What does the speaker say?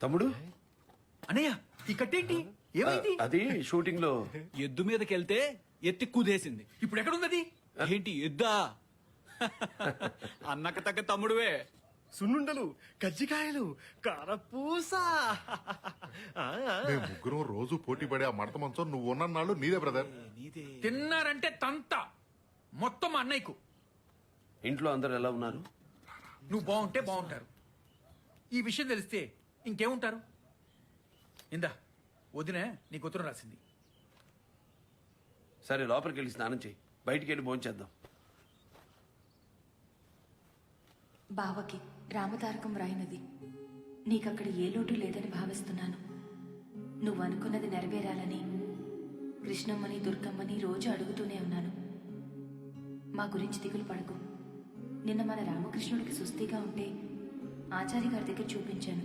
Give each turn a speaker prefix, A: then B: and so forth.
A: తమ్ముడు
B: అన్నయ్య ఈ కట్టేంటి ఏమైంది?
A: అది షూటింగ్ లో
B: ఎద్దు మీదకెళ్తే ఎత్తి కుదేసింది. ఇప్పుడు ఎక్కడుంది? ఏంటి ఎద్దా? అన్నక తగ్గ తమ్ముడువే.
C: సున్నుండలు, కజ్జికాయలు, కారపూస.
D: మేము ముగ్గురం రోజు పోటీ పడే ఆ మడత మంచం నువ్వు ఉన్నన్నాళ్ళు నీదే బ్రదర్.
E: తిన్నారంటే తంత మొత్తం మా అన్నయ్యకు.
A: ఇంట్లో అందరు ఎలా ఉన్నారు?
E: నువ్వు బాగుంటే బాగుంటారు. ఈ విషయం తెలిస్తే ఇంకేముంటారు? ఇందా వదిన నీకు ఉత్తరం రాసింది.
A: సరే లోపలికి వెళ్ళి స్నానం చేయి, బయటికి వెళ్ళి భోంచేద్దాం.
F: బావకి రామతారకం రాయినది. నీకక్కడ ఏ లోటు లేదని భావిస్తున్నాను. నువ్వు అనుకున్నది నెరవేరాలని కృష్ణమ్మని దుర్గమ్మని రోజు అడుగుతూనే ఉన్నాను. మా గురించి దిగులు పడకు. నిన్న మన రామకృష్ణుడికి సుస్థిగా ఉంటే ఆచార్య గారి దగ్గర చూపించాను.